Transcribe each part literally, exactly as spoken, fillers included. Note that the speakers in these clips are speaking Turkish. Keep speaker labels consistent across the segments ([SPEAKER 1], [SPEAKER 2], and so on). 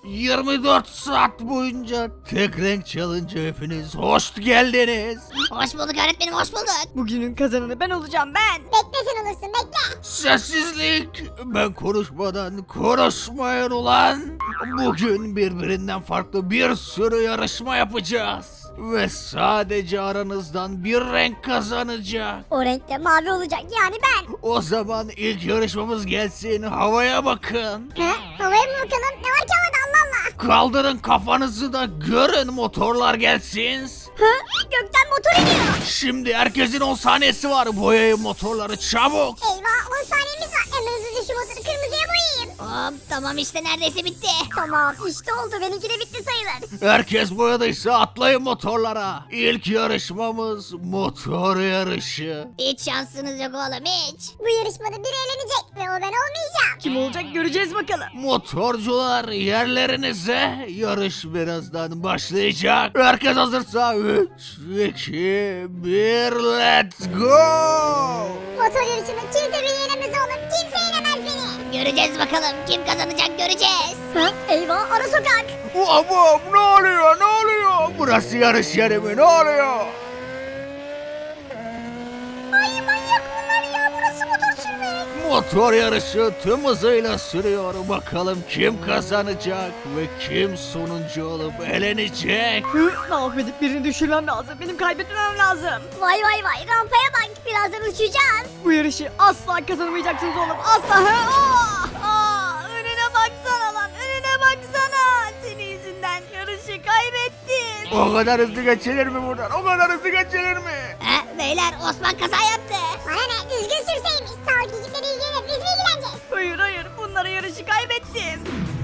[SPEAKER 1] yirmi dört saat boyunca tek renk challenge hepiniz hoş geldiniz.
[SPEAKER 2] Hoş bulduk öğretmenim, hoş bulduk.
[SPEAKER 3] Bugünün kazananı ben olacağım ben.
[SPEAKER 4] Bekle sen olursun bekle.
[SPEAKER 1] Sessizlik. Ben konuşmadan konuşmayın ulan. Bugün birbirinden farklı bir sürü yarışma yapacağız. Ve sadece aranızdan bir renk kazanacak.
[SPEAKER 4] O renkte mavi olacak yani ben.
[SPEAKER 1] O zaman ilk yarışmamız gelsin. Havaya bakın.
[SPEAKER 4] He? Havaya mı bakalım? Ne var ki havada Allah Allah.
[SPEAKER 1] Kaldırın kafanızı da görün, motorlar gelsin.
[SPEAKER 4] Hı? Gökten motor iniyor.
[SPEAKER 1] Şimdi herkesin on saniyesi var. Boyayın motorları çabuk.
[SPEAKER 4] Eyvah on saniyemiz var. Hemen hızlıca şu motoru kırmızıya boyayayım.
[SPEAKER 2] Hop, tamam işte neredeyse bitti.
[SPEAKER 4] Tamam işte oldu. Benimki de bitti sayılır.
[SPEAKER 1] Herkes boyadıysa atlayın motorlara. İlk yarışmamız motor yarışı.
[SPEAKER 2] Hiç şansınız yok oğlum, hiç.
[SPEAKER 4] Bu yarışmada biri eğlenecek ve o ben olmayacağım.
[SPEAKER 3] Kim olacak göreceğiz bakalım.
[SPEAKER 1] Motorcular yerlerinize, yarış birazdan başlayacak. Herkes hazırsa üç, iki, bir, let's go!
[SPEAKER 4] Motor yarışında kimse beni yenemez oğlum. Kimse yenemez beni.
[SPEAKER 2] Göreceğiz bakalım, kim kazanacak göreceğiz.
[SPEAKER 4] Hı? Eyvah ara sokak.
[SPEAKER 1] Babam ne oluyor ne oluyor? Burası yarış yeri mi, ne oluyor?
[SPEAKER 4] Ay manyak bunlar ya. Burası motor sürmek.
[SPEAKER 1] Motor yarışı tüm hızıyla sürüyor. Bakalım kim kazanacak ve kim sonuncu olup elenecek?
[SPEAKER 3] Hı, ne yapıp birini düşürmem lazım. Benim kaybetmemem lazım.
[SPEAKER 4] Vay vay vay rampaya bak. Birazdan uçacağız.
[SPEAKER 3] Bu yarışı asla kazanamayacaksınız oğlum. Asla. Hı, aa, aa, önüne baksana lan. Önüne baksana. Senin yüzünden yarışı kaybettim.
[SPEAKER 1] O kadar hızlı geçilir mi buradan? O kadar hızlı geçilir mi?
[SPEAKER 2] He, beyler Osman kaza yaptı.
[SPEAKER 4] Bana ne düzgün sürseymiş. Sağ ol gidipleri ilgilenir. Biz mi ilgileneceğiz?
[SPEAKER 3] Hayır hayır. Bunlara yarışı kaybettim.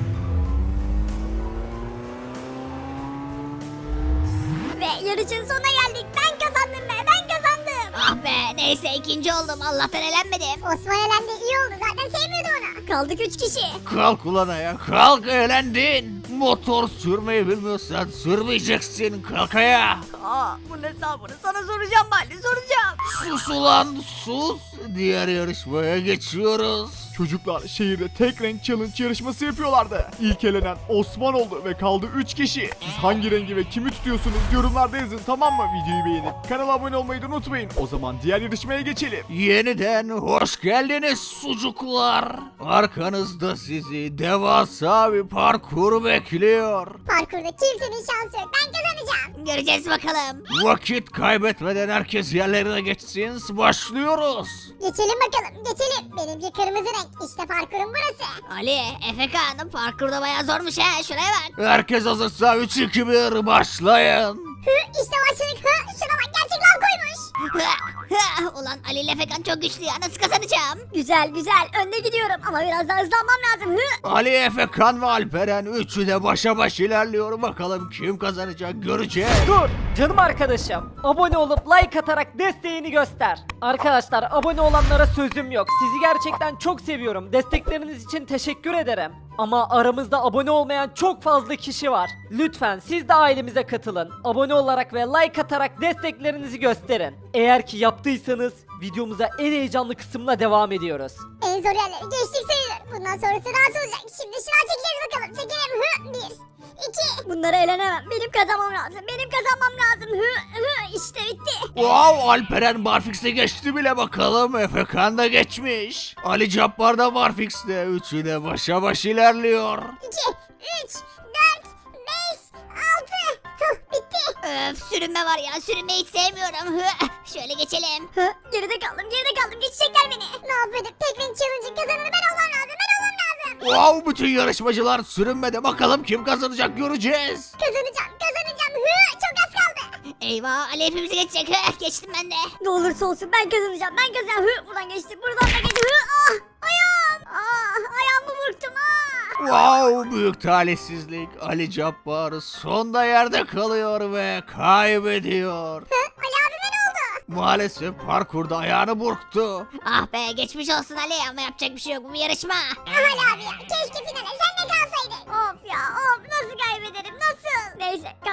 [SPEAKER 4] Ve yarışın sonuna geldik. Ben kazandım be. Ben kazandım.
[SPEAKER 2] Ah be, neyse ikinci oldum, Allah'tan elenmedim.
[SPEAKER 4] Osman elendi iyi oldu. Zaten sevmiyordu onu. Kaldık üç kişi.
[SPEAKER 1] Kalk ulan ayağa, kalk, eğlendin. Motor sürmeyi bilmiyorsan sürmeyeceksin, kalk ayağa.
[SPEAKER 3] Aa, bunun hesabını sana soracağım Baldi, soracağım.
[SPEAKER 1] Sus ulan sus. Diğer yarışmaya geçiyoruz.
[SPEAKER 5] Çocuklar şehirde tek renk challenge yarışması yapıyorlardı. İlk elenen Osman oldu ve kaldı üç kişi. Siz hangi rengi ve kimi tutuyorsunuz yorumlarda yazın, tamam mı? Videoyu beğenip kanala abone olmayı da unutmayın. O zaman diğer yarışmaya geçelim.
[SPEAKER 1] Yeniden hoş geldiniz sucuklar. Arkanızda sizi devasa bir parkur bekliyor.
[SPEAKER 4] Parkurda kimsenin şansı yok. Ben kazanacağım.
[SPEAKER 2] Göreceğiz bakalım.
[SPEAKER 1] Vakit kaybetmeden herkes yerlerine geçsin. Başlıyoruz.
[SPEAKER 4] Geçelim bakalım geçelim. Benimki kırmızı renk. İşte parkurun burası.
[SPEAKER 2] Ali, Efekan, parkurda bayağı zormuş ha, şuraya bak.
[SPEAKER 1] Herkes hazırsa üç iki bir başlayın.
[SPEAKER 4] Hı işte başladık. Hı şuna bak gerçek lav koymuş.
[SPEAKER 2] Ulan Ali ile Efekan çok güçlü ya, nasıl kazanacağım?
[SPEAKER 4] Güzel güzel önde gidiyorum ama biraz daha hızlanmam lazım. Hı.
[SPEAKER 1] Ali, Efekan ve Alperen üçü de başa baş ilerliyor. Bakalım kim kazanacak göreceğiz.
[SPEAKER 6] Dur canım arkadaşım. Abone olup like atarak desteğini göster. Arkadaşlar abone olanlara sözüm yok. Sizi gerçekten çok seviyorum. Destekleriniz için teşekkür ederim. Ama aramızda abone olmayan çok fazla kişi var. Lütfen siz de ailemize katılın. Abone olarak ve like atarak desteklerinizi gösterin. Eğer ki yaptıysanız videomuza en heyecanlı kısımla devam ediyoruz.
[SPEAKER 4] En zor yerleri geçtik sayılır. Bundan sonrası rahat olacak. Şimdi şınav çekeceğiz bakalım. Çekelim. Hı bir. iki. Bunları elenemem. Benim kazanmam lazım. Benim kazanmam lazım. Hı hı işte bitti.
[SPEAKER 1] Wow, Alperen Barfix'e geçti bile bakalım. Efekan da geçmiş. Ali Cabbar da Barfix'te. Üçü de başa baş ilerliyor.
[SPEAKER 4] iki, üç, dört, beş, altı. Hı bitti.
[SPEAKER 2] Öf, sürünme var ya, sürünmeyi hiç sevmiyorum. Şöyle geçelim.
[SPEAKER 4] Hı geride kaldım. Geride kaldım. Geçecekler beni. Ne yapayım? Tek renk challenge'ın kazananı ben olmam lazım. Ben olmam lazım.
[SPEAKER 1] Wow, bütün yarışmacılar sürünmede. Bakalım kim kazanacak göreceğiz.
[SPEAKER 4] Kazanacağım. Kazanacağım. Hı çok az kaldı.
[SPEAKER 2] Eyvah, Ali hepimizi geçecek. Hı, geçtim ben de.
[SPEAKER 4] Ne olursa olsun ben kazanacağım. Ben kazanacağım. Hı buradan geçtim. Buradan da geçtim. Hı ah ayağım. Ah ayağımı burktum. Ah.
[SPEAKER 1] Wow, büyük talihsizlik. Ali Cabbar sonda yerde kalıyor ve kaybediyor.
[SPEAKER 4] Hı Ali abime ne oldu?
[SPEAKER 1] Maalesef parkurda ayağını burktu.
[SPEAKER 2] Ah be, geçmiş olsun Ali, ama yapacak bir şey yok, bu bir yarışma.
[SPEAKER 4] Ah Ali abi ya. Keşke finale sen de kalsaydın. Of ya of nasıl kaybederim nasıl? Neyse kaybederim.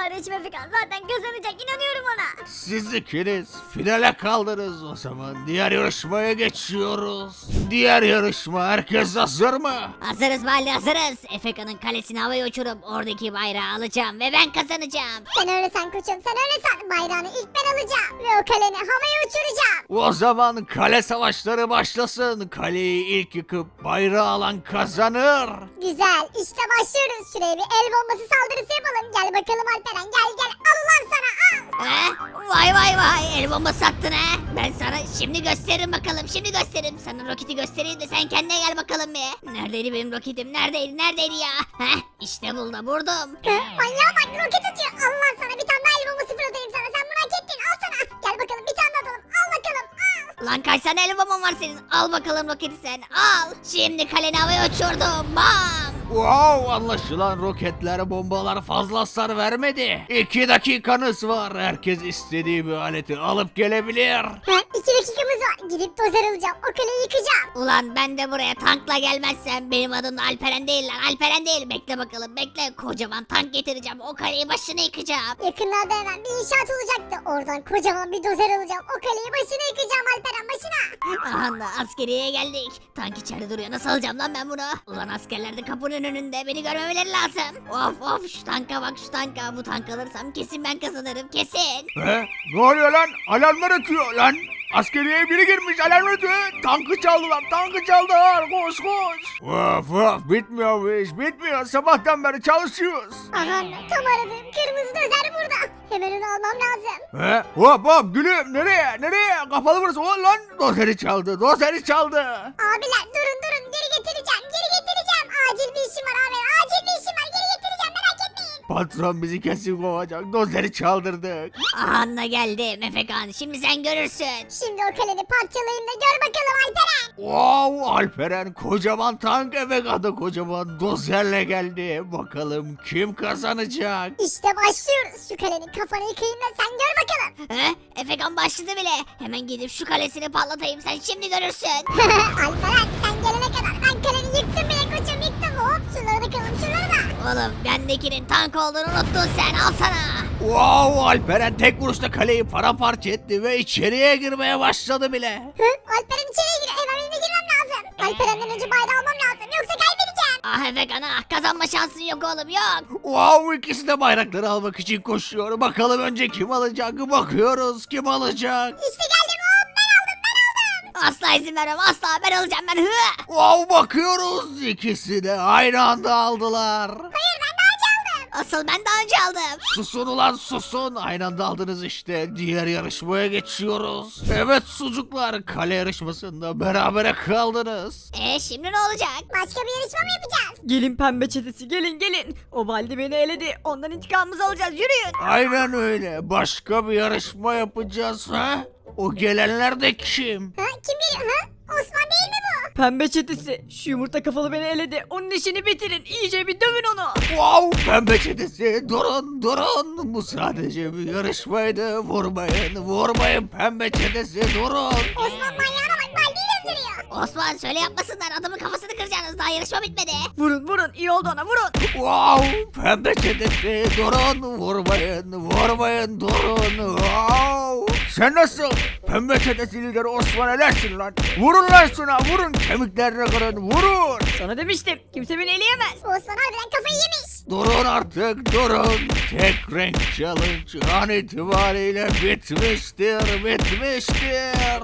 [SPEAKER 4] kardeşim Efekan zaten kazanacak, inanıyorum ona.
[SPEAKER 1] Siz ikiniz finale kaldınız. O zaman diğer yarışmaya geçiyoruz. Diğer yarışma, herkes hazır mı?
[SPEAKER 2] Hazırız Baldi hazırız. Efeka'nın kalesini havaya uçurup oradaki bayrağı alacağım ve ben kazanacağım.
[SPEAKER 4] Sen öyle san koçum, sen öyle san. Bayrağını ilk ben alacağım ve o kaleni havaya uçuracağım.
[SPEAKER 1] O zaman kale savaşları başlasın. Kaleyi ilk yıkıp bayrağı alan kazanır.
[SPEAKER 4] Güzel, işte başlıyoruz. Şuraya bir el bombası saldırısı yapalım. Gel bakalım Alperen, gel gel. Allah sana, al.
[SPEAKER 2] He? Vay vay vay el bombası attın he. Ben sana şimdi gösteririm bakalım şimdi gösteririm. Sana roketi göstereyim de sen kendine gel bakalım bir. Neredeydi benim roketim neredeydi neredeydi ya? Heh işte buldum vurdum.
[SPEAKER 4] Hı, manyağa bak, roket atıyor. Allah sana, bir tane daha el bombası fırlatayım sana. Sen bunu hak ettin, al sana. Gel bakalım, bir tane daha atalım. Al bakalım, al.
[SPEAKER 2] Lan kaç tane el bomban var senin? Al bakalım roketi sen al. Şimdi kaleni havaya uçurdum bam.
[SPEAKER 1] Wow, anlaşılan roketler, bombalar fazla hasar vermedi. İki dakikanız var. Herkes istediği bir aleti alıp gelebilir.
[SPEAKER 4] Ha, iki dakikamız var. Gidip dozer alacağım. O kaleyi yıkacağım.
[SPEAKER 2] Ulan ben de buraya tankla gelmezsem benim adım da Alperen değil lan Alperen değil. Bekle bakalım bekle kocaman tank getireceğim o kaleyi başına yıkacağım.
[SPEAKER 4] Yakınlarda hemen bir inşaat olacaktı. Oradan kocaman bir dozer alacağım. O kaleyi başına yıkacağım Alperen, başına.
[SPEAKER 2] Aha da askeriyeye geldik. Tank içeride duruyor nasıl alacağım lan ben bunu? Ulan askerler de kapının önünde beni görmemeleri lazım. Of of şu tanka bak şu tanka bu tank alırsam kesin ben kazanırım kesin.
[SPEAKER 1] He? Ne oluyor lan? Alarmlar ötüyor lan. Askeriyeye biri girmiş, alarm ötüyor. Tankı çaldılar, tankı çaldılar. Koş koş. Of of, bitmiyor bu iş, bitmiyor. Sabahtan beri çalışıyoruz.
[SPEAKER 4] Aha, tam aradığım kırmızı dozer burada. Hemen onu almam lazım.
[SPEAKER 1] He? Hop hop gülüm, nereye, nereye? Kapalı burası. Ulan lan, dozeri çaldı, dozeri çaldı.
[SPEAKER 4] Abiler durun durun, geri getireceğim. Geri getireceğim. Acil bir işim var abi. Acil bir işim var. Geri getireceğim, merak etmeyin.
[SPEAKER 1] Patron bizi kesin kovacak, dozeri çaldırdık.
[SPEAKER 2] Aha da geldim Efekan şimdi sen görürsün.
[SPEAKER 4] Şimdi o kaleni parçalayayım da gör bakalım Alperen.
[SPEAKER 1] Wow, Alperen kocaman tank, Efekan'da kocaman dozerle geldi. Bakalım kim kazanacak?
[SPEAKER 4] İşte başlıyoruz. Şu kalenin kafanı yıkayayım da sen gör bakalım.
[SPEAKER 2] He? Efekan başladı bile. Hemen gidip şu kalesini patlatayım sen şimdi görürsün.
[SPEAKER 4] Alperen sen gelene kadar ben kaleni yıktım bile koçum, yıktım. Hop şunları da kıralım, şunları da.
[SPEAKER 2] Oğlum bendekinin tank olduğunu unuttun sen al sana.
[SPEAKER 1] Wow, Alperen tek vuruşta kaleyi paramparça etti ve içeriye girmeye başladı bile.
[SPEAKER 4] Hı? Alperen içeriye giriyor. Hemen benim de girmem lazım. Alperen'den önce bayrağı almam lazım. Yoksa kaybedeceğim.
[SPEAKER 2] Ah Efekan ah kazanma şansın yok oğlum yok.
[SPEAKER 1] Wow, ikisi de bayrakları almak için koşuyor. Bakalım önce kim alacak? Bakıyoruz kim alacak?
[SPEAKER 4] İşte geldim. Hop ben aldım, ben aldım.
[SPEAKER 2] Asla izin vermem asla ben alacağım ben. Hı.
[SPEAKER 1] Wow, bakıyoruz ikisi de aynı anda aldılar.
[SPEAKER 4] Hayır, ben daha önce aldım.
[SPEAKER 2] Asıl ben daha önce aldım.
[SPEAKER 1] Susun ulan susun. Aynı anda aldınız işte. Diğer yarışmaya geçiyoruz. Evet sucuklar, kale yarışmasında berabere kaldınız.
[SPEAKER 2] E şimdi ne olacak?
[SPEAKER 4] Başka bir yarışma mı yapacağız?
[SPEAKER 3] Gelin pembe çetesi gelin gelin. O Baldi beni eledi. Ondan intikamımızı alacağız yürüyün.
[SPEAKER 1] Aynen öyle. Başka bir yarışma yapacağız ha? O gelenler de kim?
[SPEAKER 4] Ha? Kim geliyor? Ha? Osman değil mi bu?
[SPEAKER 3] Pembe çetesi. Şu yumurta kafalı beni eledi. Onun işini bitirin. İyice bir dövün onu.
[SPEAKER 1] Wow, pembe çetesi durun durun. Bu sadece bir yarışmaydı. Vurmayın vurmayın pembe çetesi durun.
[SPEAKER 4] Osman manyağına bak, Baldi'yi öldürüyor.
[SPEAKER 2] Osman söyle yapmasınlar adamın kafasını kıracaksınız daha yarışma bitmedi.
[SPEAKER 3] Vurun vurun iyi oldu ona vurun.
[SPEAKER 1] Wow, pembe çetesi durun. Vurmayın vurmayın durun. Wow. Sen nasıl? Pembe çetesi lideri Osman elersin lan. Vurun lan şuna vurun. Kemiklerini kırın vurun.
[SPEAKER 3] Sana demiştim. Kimse beni eleyemez.
[SPEAKER 4] Osman harbiden kafayı yemiş.
[SPEAKER 1] Durun artık durun. Tek renk challenge an itibariyle bitmiştir bitmiştir.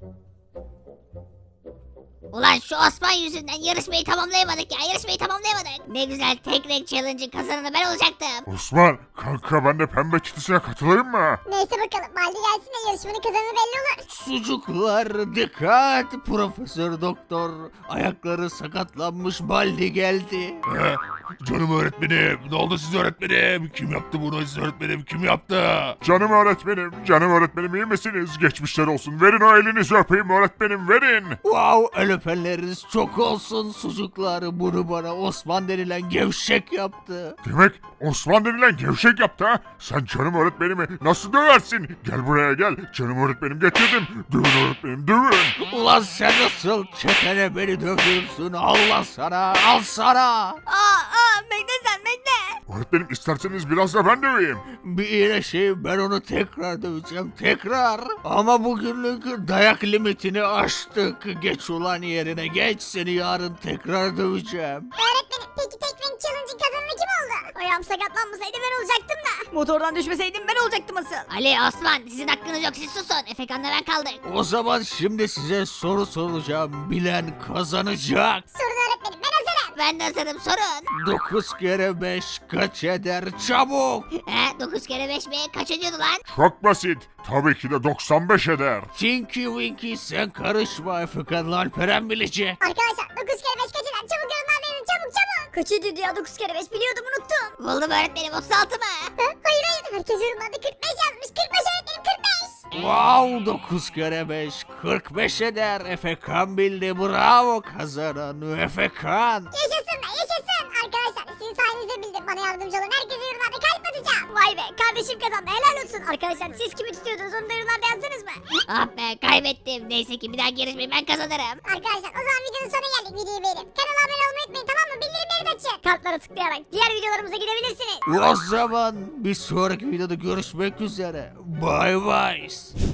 [SPEAKER 2] Ulan şu Osman yüzünden yarışmayı tamamlayamadık ya yarışmayı tamamlayamadık. Ne güzel tek renk challenge'ın kazananı ben olacaktım.
[SPEAKER 7] Osman, kanka ben de pembe çetesine katılayım mı?
[SPEAKER 4] Neyse bakalım, Baldi gelsin de yarışmanın kazananı belli olur.
[SPEAKER 1] Sucuklar dikkat, Profesör Doktor ayakları sakatlanmış Baldi geldi.
[SPEAKER 7] He? Canım öğretmenim, ne oldu siz öğretmenim? Kim yaptı bunu siz öğretmenim, kim yaptı? Canım öğretmenim, canım öğretmenim iyi misiniz? Geçmişler olsun, verin o elinizi öpeyim öğretmenim, verin.
[SPEAKER 1] Wow, el öpenleriniz çok olsun sucuklar. Bunu bana Osman denilen gevşek yaptı.
[SPEAKER 7] Demek Osman denilen gevşek yaptı ha? Sen canım öğretmenimi nasıl döversin? Gel buraya gel, canım öğretmenim getirdim. Dövün öğretmenim, dövün.
[SPEAKER 1] Ulan sen nasıl çetene beni dövüyorsun? Allah sana, al sana.
[SPEAKER 3] Aa aa bekle sen bekle.
[SPEAKER 7] Öğretmenim isterseniz biraz da ben döveyim.
[SPEAKER 1] Bir iyileşeyim ben onu tekrar döveceğim tekrar. Ama bugünlük dayak limitini aştık. Geç ulan yerine geç, seni yarın tekrar döveceğim.
[SPEAKER 4] Öğretmenim peki tek renk challenge'ın kazananı kim oldu? Ayağım sakatlanmasaydı ben olacaktım da.
[SPEAKER 3] Motordan düşmeseydim ben olacaktım asıl.
[SPEAKER 2] Ali, Osman, sizin hakkınız yok, siz susun. Efekan'la ben kaldık.
[SPEAKER 1] O zaman şimdi size soru soracağım. Bilen kazanacak.
[SPEAKER 4] Sorun öğretmenim ben hazırım.
[SPEAKER 2] Ben de hazırım, sorun.
[SPEAKER 1] dokuz kere beş kaç eder? Çabuk.
[SPEAKER 2] He, dokuz kere beş mi? Kaç ediyordu lan?
[SPEAKER 7] Çok basit. Tabii ki de doksan beş eder.
[SPEAKER 1] Tinky Winky sen karışma, Efekan'la Alperen bilecek.
[SPEAKER 4] Arkadaşlar dokuz kere beş kaç eder? Çabuk yorumlarda yazın çabuk çabuk.
[SPEAKER 3] Kaç ediyordu ya dokuz kere beş biliyordum unuttum.
[SPEAKER 2] Buldum öğretmenim, otuz altı mı?
[SPEAKER 4] Hı? Hayır hayır herkes yorumlarda kırk beş yazmış. kırk beş öğretmenim kırk beş.
[SPEAKER 1] Wow, dokuz kere beş kırk beş eder. Efekan bildi, bravo, kazanan Efekan.
[SPEAKER 4] Yaşasın be yaşasın. Arkadaşlar sizin sayenizde bildim. Bana yardımcı olun. Herkese yorumlarda kalp atacağım.
[SPEAKER 3] Vay be kardeşim kazandı helal olsun. Arkadaşlar siz kimi tutuyordunuz onu da yorumlarda yazdınız mı?
[SPEAKER 2] Ah be, kaybettim. Neyse ki bir daha yarışmayı ben kazanırım.
[SPEAKER 4] Arkadaşlar o zaman videonun sonuna geldik. Videoyu beğenip kanala abone olmayı unutmayın tamam mı? Bildirimleri de açın.
[SPEAKER 3] Kartlara tıklayarak diğer videolarımıza gidebilirsiniz.
[SPEAKER 1] O zaman bir sonraki videoda görüşmek üzere. Bye bye.